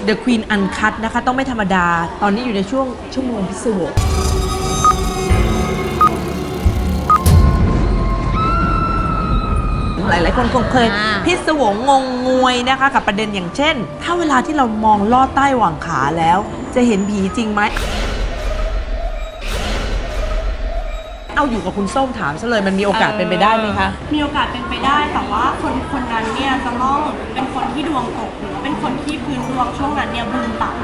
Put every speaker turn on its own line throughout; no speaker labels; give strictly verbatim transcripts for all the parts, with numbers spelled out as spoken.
The Queen Uncut นะคะต้องไม่ธรรมดาตอนนี้อยู่ในช่วงชั่วโมงพิศวงหลายๆคนคงเคยพิศวงงงงวยนะคะกับประเด็นอย่างเช่นถ้าเวลาที่เรามองลอดใต้หว่างขาแล้วจะเห็นผีจริงไหมเอาอยู่กับคุณส้มถามซะเลยมันมีโอกาสเป็นไปได้ไหมคะ
มีโอกาสเป็นไปได้แต่ว่าคนคนนั้นเนี่ยจะต้องเป็นคนที่ดวงตกหรือเป็นคนที่พื้นดวงช่วงนั้นเนี่ยบุญต่ำ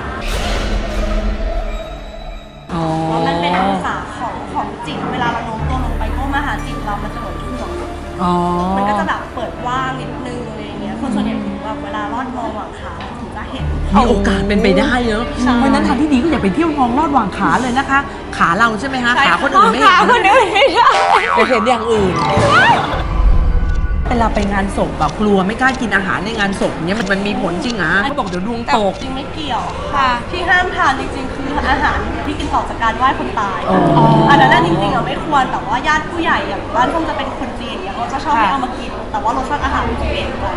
เพราะมันเป็นองศาของของจิตเวลาเราโน้มตัวลงไปก็มาหาจิตเรามันจะเหมือนถ่วงมันก็จะแบบเปิดว่างนิดนึงอะไรอย่างเงี้ยคนส่วนใหญ่ถึงแบบเวลาลอดมองหว่างขาถึงจะเห็น
มีโอกาสเป็นไปได้เนอะเพราะนั้นทางที่ดีก็อย่าไปเที่ยวมองลอดหว่างขาเลยนะคะขาเราใช่ไหมคะขาคนอื่นไม่เห็นขาคนอื่นไม่ได้จะเห็นอย่างอื่นเวลาไปงานศพแบบกลัวไม่กล้ากินอาหารในงานศพเนี้ยมันมันมีผลจริงอ่ะเขาบอกเดี๋ยวดวงตก
จริงไม่เกี่ยวค่ะที่ห้ามทานจริงๆคืออาหารที่กินต่อจากการไหว้คนตายอันนั้นจริงๆอ่ะไม่ควรแต่ว่าญาติผู้ใหญ่อย่างบ้านคงจะเป็นคนจีนเนี่ยเขาจะชอบให้เอามากินแต่ว่ารสชาติอาหารมันจะเปลี่ยนไป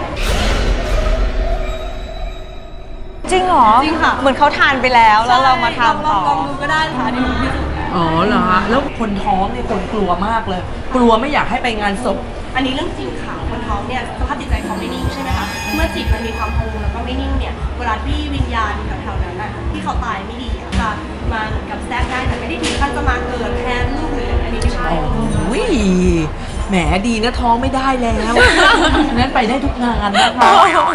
จริงเหรอ
จริงค่ะ
เหมือนเขาทานไปแล้วแล้วเรามาทำต่อ
ลองดูก็ได้ค่ะดีที่สุด
อ๋อเหรอฮะแล้วคนท้องเนี่ยคนกลัวมากเลยกลัวไม่อยากให้ไปงานศพ
อันนี้เรื่องจริงค่ะคนท้องเนี่ยสภาพจิตใจเขาไม่นิ่งใช่ไหมคะเมื่อจิตมันมีความพะวงแล้วก็ไม่นิ่งเนี่ยเวลาที่วิญญาณแถวๆนั้นน่ะที่เขาตายไม่ดีจะมาเหมือนกับแทรกได้แต่ไม่ได้ถึงขั้นจะมาเกิดแทนลูกหรืออันนี้ไม่ใช่
โอ้ยแหมดีนะท้องไม่ได้แล้วงั้นไปได้ทุกงานนะคะ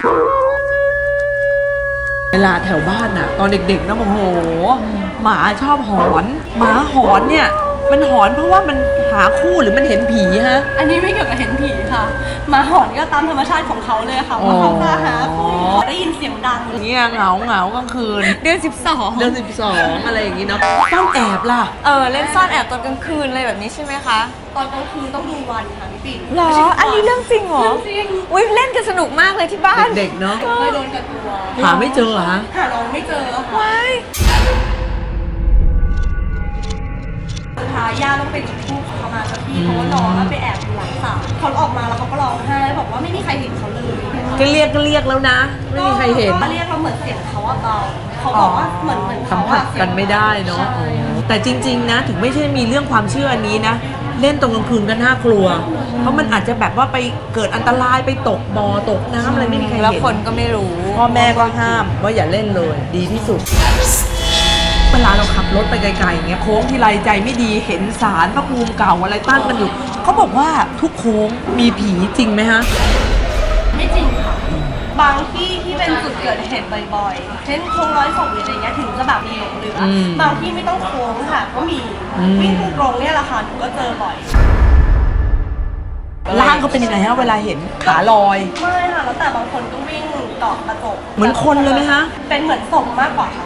เวลาแถวบ้านน่ะตอนเด็กๆนะโอ้โหหมาชอบหอนหมาหอนเนี่ยมันหอนเพราะว่ามันหาคู่หรือมันเห็นผีฮะ
อันนี้ไม่เกี่ยวกับเห็นผีค่ะหมาหอนก็ตามธรรมชาติของเขาเลยค่ะว่าเขาจะหาคู่ได้ยินเสียงดัง
อย่างเงี้ยเหงาเหงากลางคืน
เดือนสิบสอง
เดือนสิบสองอะไรอย่างงี้เนาะซ่อนแอบล่ะ
เออเล่นซ่อนแอบตอนกลางคืนอะไรแบบนี้ใช่ไหมคะ
ตอนกลางคืนต้องดูวันค่ะพี่ปิ่น
หรออันนี้เรื่องจริงเหรอ
จริง
อุ้ยเล่นกันสนุกมากเลยที่บ้าน
เด็กเนาะ
เคยโดนกับตัว
หาไม่เจอเหรอฮะ
หาน้องไม่เจอ
ว้าย
สุดท้ายย่าต้องไปจุดธูปเขามาสักทีเพราะว่าน้องไปแอบอยู่หลังศาลเขาออกมาแล้วเขาก็ร้องไห้บอกว่าไม่มีใครเห็นเขาเลย
ก็เรียกก็เรียกแล้วนะไม่มีใครเห็น
ก็เรียกเราเหมือนเสียงเขาอะเบาเขาบอกว่าเหมือนเหมือน
สัมผัสกันไม่ได้เนาะแต่จริงๆนะถึงไม่ใช่มีเรื่องความเชื่ออันนี้นะเล่นตรงกลางคืนก็น่ากลัวเพราะมันอาจจะแบบว่าไปเกิดอันตรายไปตกบ่อตกน้ำอะไรไม่มีใครเห็น
แล้วคนก็ไม่รู้
พ่อแม่ก็ห้ามว่าอย่าเล่นเลยดีที่สุดเวลาเราขับรถไปไกลๆอย่างเงี้ยโค้งที่ไรใจไม่ดีเห็นศาลพระภูมิเก่าอะไรตั้งกันอยู่เขาบอกว่าทุกโค้งมีผีจริงไหมฮะ
ไม่จริงค่ะบางที่ที่เป็นจุดเกิดเหตุบ่อยๆเช่นโค้งร้อยศพหรืออะไรเงี้ยถึงจะแบบมีหลงเหลือบางที่ไม่ต้องโค้งค่ะก็มีวิ่งตรงๆเนี่ยแหละค่ะหนูก็เจอบ่อย
ร่างเขาเป็นยังไงฮะเวลาเห็นขาลอย
ไม่ค่ะแล้วแต่บางคนก็วิ่งเกาะกระจก
เหมือนคนเลยไหมฮะ
เป็นเหมือนศพมากกว่าค่ะ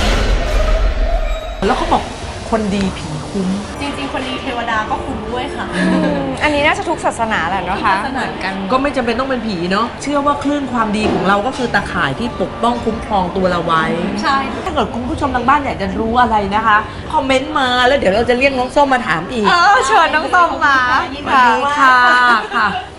แล้วเขาบอกคนดีผีคุ้ม
จริงๆคนดีเทวดาก็คุ้มด้วยค่ะ
อันนี้น่าจะทุกศาสนาแหละเนาะคะ
เหมือนกัน
ก็ไม่จำเป็นต้องเป็นผีเนาะเชื่อว่าคลื่นความดีของเราก็คือตาข่ายที่ปกป้องคุ้มครองตัวเราไว้
ใช่
ถ้าเกิดคุณผู้ชมทางบ้านอยากจะรู้อะไรนะคะคอมเมนต์มาแล้วเดี๋ยวเราจะเรียกน้องส้มมาถามอีก
เออเชิญน้องส้มมา
สวัสดีค่ะค่ะ